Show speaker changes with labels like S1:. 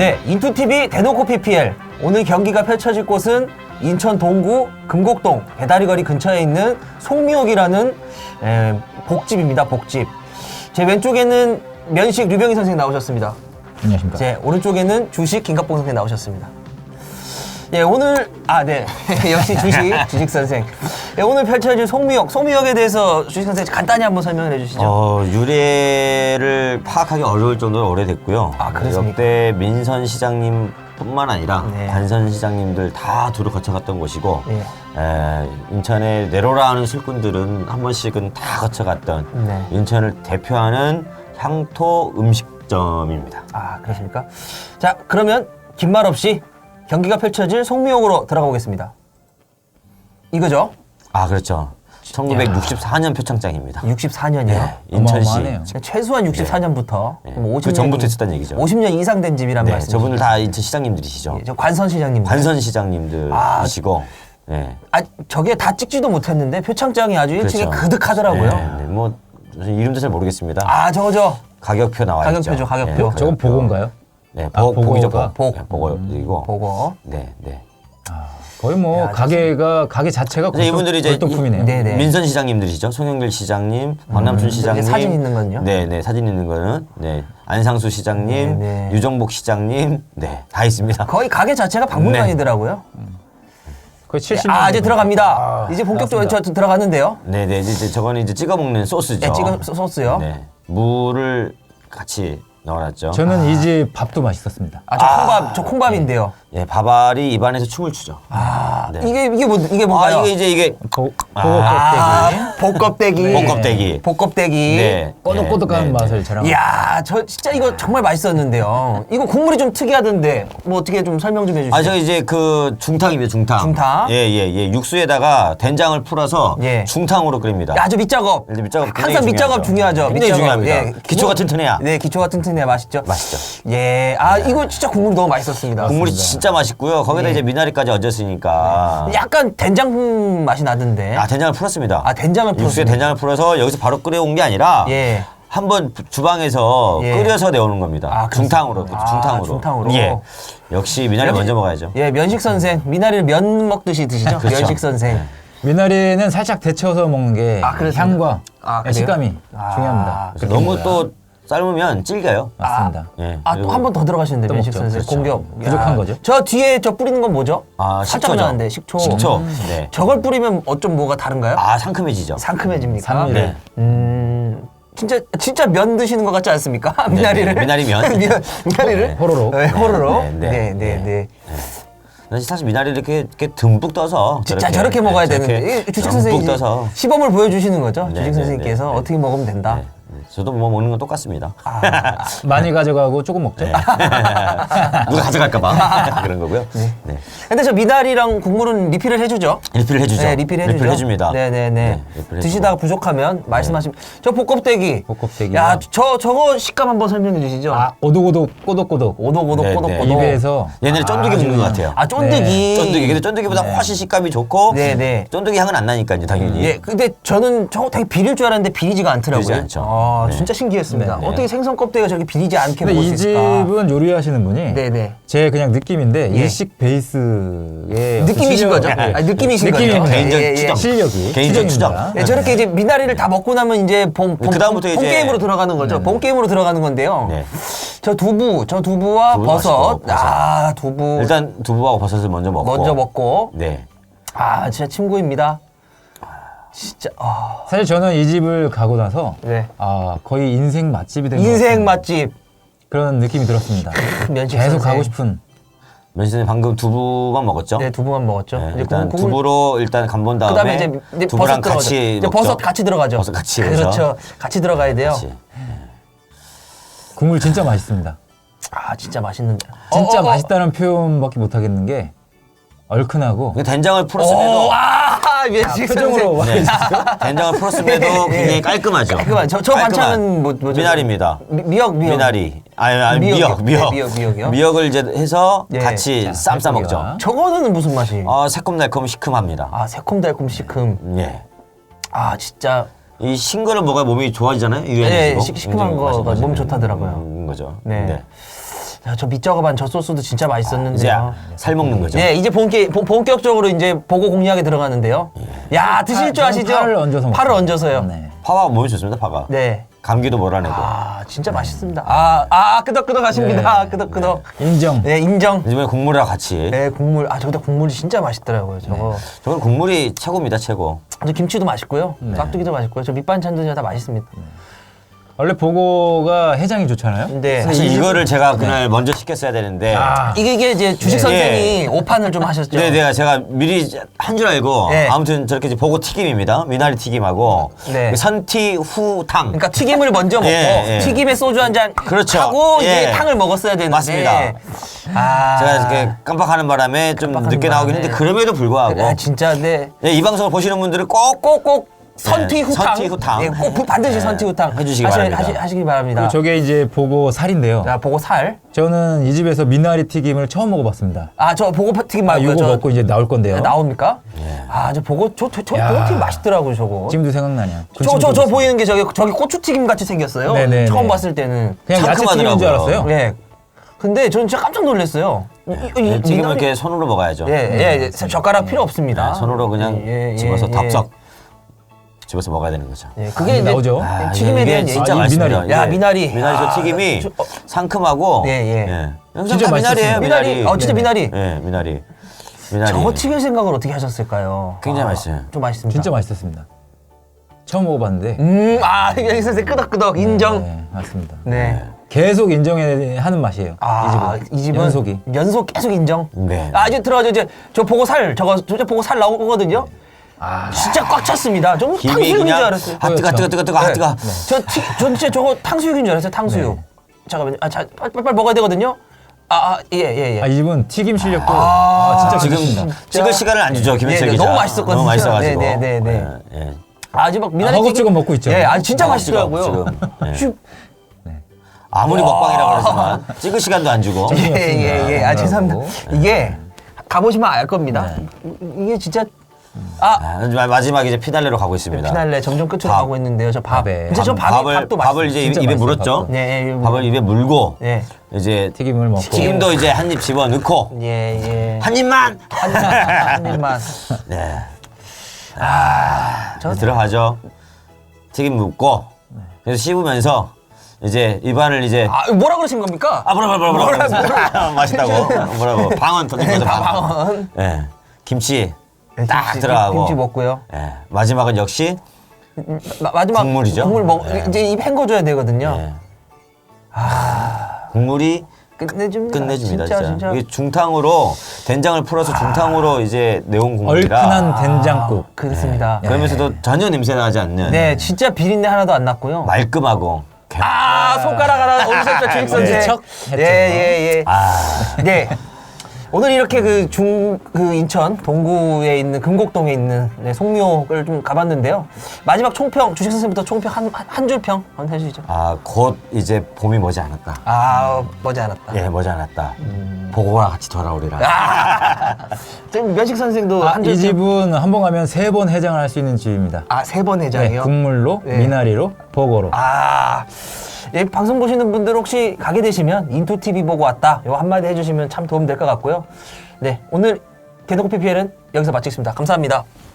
S1: 네, 인투TV 대놓고 PPL. 오늘 경기가 펼쳐질 곳은 인천 동구 금곡동 배다리거리 근처에 있는 송미옥이라는 복집입니다. 복집. 제 왼쪽에는 면식 류병희 선생님 나오셨습니다.
S2: 안녕하십니까.
S1: 제 오른쪽에는 주식 김갑봉 선생님 나오셨습니다. 예, 오늘 네 역시 주식 선생. 예, 오늘 펼쳐질 송미옥에 대해서 주식 선생 간단히 한번 설명을 해주시죠.
S3: 유래를 파악하기 어려울 정도로 오래됐고요.
S1: 아, 그렇습니까?
S3: 역대 민선 시장님뿐만 아니라
S1: 네.
S3: 관선 시장님들 다 두루 거쳐갔던 곳이고,
S1: 네.
S3: 인천에 내로라 하는 술꾼들은 한 번씩은 다 거쳐갔던
S1: 네.
S3: 인천을 대표하는 향토 음식점입니다.
S1: 아, 그렇습니까? 자, 그러면 긴 말 없이 경기가 펼쳐질 송미옥으로 들어가 보겠습니다. 이거죠?
S3: 아, 그렇죠. 1964년 표창장입니다.
S1: 64년이요?
S3: 네, 인천시.
S2: 어마어마하네요.
S1: 최소한 64년부터
S3: 네.
S1: 50년,
S3: 그 전부터 있었다는 얘기죠.
S1: 50년 이상 된 집이란
S3: 네,
S1: 말씀이시죠?
S3: 저분들 다 인천 시장님들이시죠.
S1: 저 관선 시장님.
S3: 관선 시장님들이시고, 네.
S1: 저게 다 찍지도 못했는데 표창장이 아주 일찍이
S3: 그렇죠.
S1: 그득하더라고요.
S3: 네, 뭐 이름도 잘 모르겠습니다.
S1: 저거죠.
S3: 가격표 나와 있죠.
S1: 가격표죠, 가격표.
S2: 저건 보고인가요?
S3: 네,
S2: 보고가?
S3: 보기죠.
S1: 복.
S3: 네, 보고이고.
S1: 보고.
S3: 네, 네.
S2: 거의 뭐 가게 자체가
S3: 그래서 이분들이 이제
S2: 골동품이네요.
S1: 네네.
S3: 민선 시장님들이시죠. 송영길 시장님, 박남춘 시장님.
S1: 사진 있는 건요?
S3: 네, 네, 사진 있는 거는 네, 안상수 시장님,
S1: 네, 네.
S3: 유정복 시장님, 네, 다 있습니다.
S1: 거의 가게 자체가 박물관이더라고요.
S2: 거의 70년.
S1: 이제 들어갑니다. 이제 본격적으로 저 들어갔는데요.
S3: 네, 네, 이제 저거는 이제 찍어 먹는 소스죠.
S1: 네, 찍어 소스요.
S3: 네, 물을 같이 넣어놨죠.
S2: 저는 이 집 밥도 맛있었습니다.
S1: 저 콩밥인데요.
S3: 예, 밥알이 입안에서 춤을 추죠. 네.
S1: 이게 뭔가요?
S3: 이게
S2: 보고
S1: 복껍데기.
S3: 복껍데기.
S1: 복껍데기.
S3: 네.
S2: 꼬독꼬독한
S3: 네,
S2: 맛을 자랑.
S1: 이야, 저 진짜 이거 정말 맛있었는데요. 이거 국물이 좀 특이하던데 뭐 어떻게 좀 설명 좀 해주시죠.
S3: 저 이제 그 중탕입니다, 중탕.
S1: 중탕?
S3: 예. 육수에다가 된장을 풀어서
S1: 예.
S3: 중탕으로 끓입니다.
S1: 아주 밑작업.
S3: 이제 밑작업
S1: 항상
S3: 굉장히
S1: 밑작업 중요하죠.
S3: 굉장히
S1: 밑작업.
S3: 중요합니다.
S1: 예.
S3: 기초가 튼튼해야.
S1: 네, 기초가 튼튼해야 맛있죠.
S3: 맛있죠.
S1: 예, 이거 진짜 국물 너무 맛있었습니다.
S3: 국물이 진짜 맛있고요. 거기다
S1: 예.
S3: 이제 미나리까지 얹었으니까.
S1: 약간 된장 맛이 나던데.
S3: 된장을 풀었습니다.
S1: 된장을
S3: 육수에
S1: 풀었습니다.
S3: 된장을 풀어서 여기서 바로 끓여온 게 아니라
S1: 예.
S3: 한번 주방에서
S1: 예.
S3: 끓여서 내오는 겁니다. 중탕으로.
S1: 중탕으로.
S3: 예. 역시 미나리 먼저 먹어야죠.
S1: 예, 면식 선생. 미나리를 면 먹듯이 드시죠?
S3: 그렇죠.
S1: 면식 선생.
S3: 네.
S2: 미나리는 살짝 데쳐서 먹는 게
S1: 그렇습니다.
S2: 향과
S1: 그래요?
S2: 식감이 중요합니다.
S3: 그래서 너무 또 삶으면 질겨요.
S2: 맞습니다.
S3: 예.
S1: 또 한 번 더 들어가시는데,
S2: 또
S1: 면식
S2: 먹죠.
S1: 선생.
S3: 그렇죠.
S1: 공격.
S2: 부족한 거죠?
S1: 저 뒤에 뿌리는 건 뭐죠? 살짝
S3: 식초죠.
S1: 나는데, 식초.
S3: 식초. 네.
S1: 저걸 뿌리면 어쩜 뭐가 다른가요?
S3: 상큼해지죠.
S1: 상큼해집니까?
S2: 산미를.
S3: 네.
S1: 진짜 면 드시는 것 같지 않습니까? 미나리를.
S3: 미나리면.
S1: 미나리를.
S2: 네, 호로록.
S1: 네, 호로록.
S3: 네,
S1: 네.
S3: 사실 미나리를 이렇게 듬뿍 떠서.
S1: 진짜 저렇게 먹어야 되는데. 주식 선생님이
S3: 듬뿍 떠서.
S1: 시범을 보여주시는 거죠?
S3: 네,
S1: 주식
S3: 네,
S1: 선생님께서
S3: 네, 네.
S1: 어떻게 먹으면 된다.
S3: 네. 저도 뭐 먹는 건 똑같습니다.
S2: 많이 가져가고 조금 먹죠.
S3: 네. 누가 가져갈까봐 그런 거고요.
S1: 네. 근데 저 미나리랑 국물은 리필을 해주죠?
S3: 리필을 해주죠.
S1: 네, 리필 해주죠.
S3: 리필 해줍니다.
S1: 네네네.
S3: 리필
S1: 드시다가 부족하면 말씀하시면. 저 복껍데기.
S2: 복껍데기.
S1: 야, 저거 식감 한번 설명해 주시죠.
S2: 오독오독 꼬독꼬독.
S1: 오독오독
S3: 네,
S1: 꼬독꼬독.
S3: 네.
S2: 입에서
S3: 얘네를 쫀득이 먹는 것 같아요.
S1: 쫀득이.
S3: 쫀득이. 근데 쫀득이보다 훨씬 식감이 좋고
S1: 네.
S3: 쫀득이 향은 안 나니까요, 당연히.
S1: 예, 근데 저는 저거 되게 비릴 줄 알았는데 비리지가 않더라고요.
S3: 비리지 않죠. 네.
S1: 진짜 신기했습니다.
S3: 네, 네.
S1: 어떻게 생선 껍데기가 저렇게 비리지 않게
S2: 근데
S1: 먹을
S2: 이
S1: 수 있을까?
S2: 집은 요리하시는 분이
S1: 네네.
S2: 제 그냥 느낌인데
S1: 예.
S2: 일식 베이스의
S1: 느낌이신 거죠? 느낌이신 거죠?
S2: 느낌입니다.
S3: 개인적 추정.
S2: 실력이
S3: 개인적
S2: 추정입니다.
S1: 네, 저렇게 이제 미나리를 다 먹고 나면 이제
S3: 그다음부터 이제
S1: 게임으로 들어가는 거죠. 본 게임으로 들어가는 건데요.
S3: 네.
S1: 저 두부와
S3: 두부
S1: 버섯.
S3: 맛있고, 버섯.
S1: 두부.
S3: 일단 두부하고 버섯을 먼저 먹고. 네.
S1: 진짜 침고입니다. 진짜.
S2: 사실 저는 이 집을 가고 나서
S1: 네.
S2: 거의 인생 맛집이 된 것
S1: 인생
S2: 같은
S1: 맛집.
S2: 그런 느낌이 들었습니다.
S1: 면식
S2: 계속
S1: 선생.
S2: 가고 싶은.
S3: 면신님 방금 두부만 먹었죠?
S1: 네, 두부만 먹었죠.
S3: 네,
S1: 이제
S3: 일단
S1: 국물-
S3: 두부로 일단 간본 다음에
S1: 그다음에 이제
S3: 두부랑
S1: 버섯 들어가죠.
S3: 같이
S1: 이제
S3: 먹죠?
S1: 버섯 같이 들어가죠.
S3: 버섯 같이
S1: 그렇죠. 같이 들어가야 돼요.
S3: 같이.
S2: 국물 진짜 맛있습니다.
S1: 진짜 맛있는데.
S2: 진짜 맛있다는 표현밖에 못 하겠는 게 얼큰하고
S3: 그 된장을 풀었음에도
S1: 면식
S2: 표정으로
S1: 선생.
S3: 네. 된장을 풀었음에도 굉장히 깔끔하죠.
S1: 깔끔한. 저
S3: 깔끔한.
S1: 반찬은 뭐죠?
S3: 미나리입니다.
S1: 미역.
S3: 미나리. 아니
S1: 미역이요.
S3: 미역.
S1: 네, 미역이요.
S3: 미역을 이제 해서
S1: 예.
S3: 같이 쌈 싸 먹죠.
S1: 저거는 무슨 맛이?
S3: 새콤달콤 시큼합니다.
S1: 새콤달콤 시큼.
S3: 예.
S1: 진짜.
S3: 이 싱거를 먹어야 몸이 좋아지잖아요. 유연해지고.
S1: 시큼한 거가 몸 좋다더라고요.
S3: 거죠.
S1: 네. 자, 저 밑작업한 저 소스도 진짜
S3: 이제
S1: 맛있었는데요.
S3: 살 먹는 거죠.
S1: 네, 이제 본격적으로 이제 보고 공략에 들어가는데요. 야, 드실 줄 아시죠?
S2: 파를 얹어서 먹습니다.
S1: 파를 얹어서요.
S2: 네.
S3: 파가 몸에 좋습니다. 파가.
S1: 네.
S3: 감기도 몰아내고.
S1: 아, 진짜 맛있습니다. 끄덕끄덕 하십니다. 끄덕끄덕.
S2: 인정.
S1: 네, 인정.
S3: 이번에 국물이랑 같이.
S1: 네, 국물. 아, 저기다 국물이 진짜 맛있더라고요. 저거.
S3: 저건 국물이 최고입니다. 최고.
S1: 저 김치도 맛있고요. 깍두기도 맛있고요. 저 밑반찬도 다 맛있습니다.
S2: 원래 보고가 해장이 좋잖아요.
S1: 근데
S3: 사실 이거를 제가 그날 먼저 시켰어야 되는데.
S1: 이게 이제 주식 선생이
S3: 예.
S1: 오판을 좀 하셨죠.
S3: 네, 제가 미리 한 줄 알고
S1: 네.
S3: 아무튼 저렇게 이제 보고 튀김입니다. 미나리 튀김하고
S1: 네.
S3: 선티 후탕.
S1: 그러니까 튀김을 먼저 먹고
S3: 예, 예.
S1: 튀김에 소주 한 잔
S3: 그렇죠.
S1: 하고 이제
S3: 예.
S1: 탕을 먹었어야 되는데.
S3: 맞습니다.
S1: 아,
S3: 제가 이렇게 깜빡하는 바람에 좀
S1: 깜빡하는
S3: 늦게 나오긴
S1: 바람에.
S3: 했는데 그럼에도 불구하고
S1: 아, 진짜 네.
S3: 예, 이 방송을 보시는 분들은 꼭
S1: 선티
S3: 네,
S1: 후탕.
S3: 선티 후탕.
S1: 네, 꼭 반드시
S3: 네.
S1: 선티 후탕
S3: 해주시기 바랍니다.
S1: 하시기 바랍니다.
S2: 저게 이제 보고 살인데요.
S1: 자, 보고 살.
S2: 저는 이 집에서 미나리 튀김을 처음 먹어봤습니다.
S1: 아, 저 보고 튀김 말고요.
S2: 이거 먹고 이제 나올 건데요.
S1: 나옵니까? 아, 저 보고 저
S2: 야.
S1: 보고 튀김 맛있더라고요, 저거.
S2: 지금도 생각나냐?
S1: 저 보이는 게 저기 고추튀김 같이 생겼어요.
S2: 네네네.
S1: 처음 봤을 때는.
S2: 그냥 야채 튀김인 줄
S3: 상큼하더라고요.
S2: 알았어요.
S1: 네. 근데 저는 진짜 깜짝 놀랐어요.
S3: 네, 튀김은 이렇게 손으로 먹어야죠.
S1: 예, 젓가락 필요 없습니다.
S3: 네, 손으로 그냥
S1: 예, 예,
S3: 집어서
S1: 예.
S3: 덥석 집어서 먹어야 되는 거죠.
S1: 예, 그게 이제
S2: 나오죠.
S1: 튀김에
S3: 이게
S1: 대한
S3: 진짜
S2: 이
S3: 맛있습니다.
S2: 미나리.
S1: 야,
S3: 이게
S1: 미나리.
S3: 미나리 저
S1: 아,
S3: 튀김이 상큼하고
S1: 예.
S3: 영상
S2: 진짜
S3: 다 미나리예요.
S2: 맛있었어요.
S1: 미나리. 진짜 미나리.
S3: 예, 미나리.
S1: 저거 튀길 생각을 어떻게 하셨을까요?
S3: 굉장히 맛있어요.
S1: 좀 맛있습니다.
S2: 진짜 맛있었습니다. 처음 먹어봤는데.
S1: 여기서 끄덕끄덕 인정.
S2: 네, 맞습니다.
S1: 네.
S2: 계속 인정하는 맛이에요.
S1: 이 집은
S2: 연속이.
S1: 연속 계속 인정.
S3: 네.
S1: 이제 들어가죠. 이제 저 보고 살 보고 살 나오거든요. 진짜 꽉 찼습니다. 좀
S3: 김이
S1: 탕수육인 줄
S3: 그냥
S1: 알았어요.
S3: 뜨거 뜨거.
S1: 전 진짜 저거 탕수육인 줄 알았어요. 탕수육. 잠깐만요. 빨리 먹어야 되거든요. 예.
S2: 이 집은 튀김 실력도 진짜
S3: 지금
S2: 좋습니다.
S3: 찍을 시간을 안 주죠. 김현철
S1: 네,
S3: 기자.
S1: 너무 맛있었거든요.
S3: 너무 맛있어가지고.
S1: 네.
S3: 예.
S1: 아주 막 미나리
S2: 허겁지겁 먹고 있죠.
S1: 예, 진짜
S3: 허겁지겁
S1: 맛있더라고요.
S3: 지금. 예.
S1: 슉.
S3: 아무리 먹방이라 그러지만 찍을 시간도 안 주고.
S1: 예. 죄송합니다. 이게 가보시면 알 겁니다. 이게 진짜
S3: 마지막 이제 피날레로 가고 있습니다.
S1: 피날레 점점 끝으로
S3: 밥.
S1: 가고 있는데요. 저 밥.
S2: 밥에.
S1: 진짜 저 밥도
S3: 밥을 이제
S2: 진짜
S3: 입에
S2: 맛있어요,
S3: 물었죠.
S2: 밥도.
S1: 네,
S3: 밥을 입에 물고
S1: 네.
S3: 이제
S2: 튀김을 먹고.
S3: 튀김도 이제 한 입 집어 넣고
S1: 예.
S3: 한 입만.
S1: 한 입만.
S3: 네.
S1: 저
S3: 들어가죠. 튀김 묻고 그래서 씹으면서 이제 입안을 이제
S1: 뭐라 그러신 겁니까?
S3: 뭐라 맛있다고 뭐라고 방언 터진 거죠.
S1: 방언.
S3: 예. 김치
S1: 네,
S3: 딱 들어가고.
S1: 김치 먹고요.
S3: 예. 마지막은 역시
S1: 마지막
S3: 국물이죠.
S1: 국물
S3: 네.
S1: 이제 입 헹궈줘야 되거든요.
S3: 예. 국물이
S1: 진짜.
S3: 끝내줍니다. 진짜. 이게 중탕으로 된장을 풀어서 중탕으로 이제 내온 국물이라
S2: 얼큰한 된장국.
S1: 그렇습니다.
S3: 그러면서도 전혀 냄새 나지 않는
S1: 네, 진짜 비린내 하나도 안 났고요.
S3: 말끔하고
S1: 손가락 하나 어디서 주익 선생.
S2: 척 했죠.
S1: 예. 네. 오늘 이렇게 그 인천 동구에 있는 금곡동에 있는 송묘를 좀 가봤는데요. 마지막 총평 주식 선생부터 총평 한 줄 평 한번 해주시죠.
S3: 곧 이제 봄이 머지않았다.
S1: 머지않았다.
S3: 예, 머지않았다. 보고와 같이 돌아오리라.
S1: 지금 면식 선생도 한 줄
S2: 이 집은 한 번 가면 3번 해장을 할 수 있는 집입니다.
S1: 3번 해장이요?
S2: 국물로,
S1: 네.
S2: 미나리로, 보고로.
S1: 예, 방송 보시는 분들 혹시 가게 되시면 인투TV 보고 왔다. 요 한마디 해주시면 참 도움 될 것 같고요. 네, 오늘 개노코 PPL은 여기서 마치겠습니다. 감사합니다.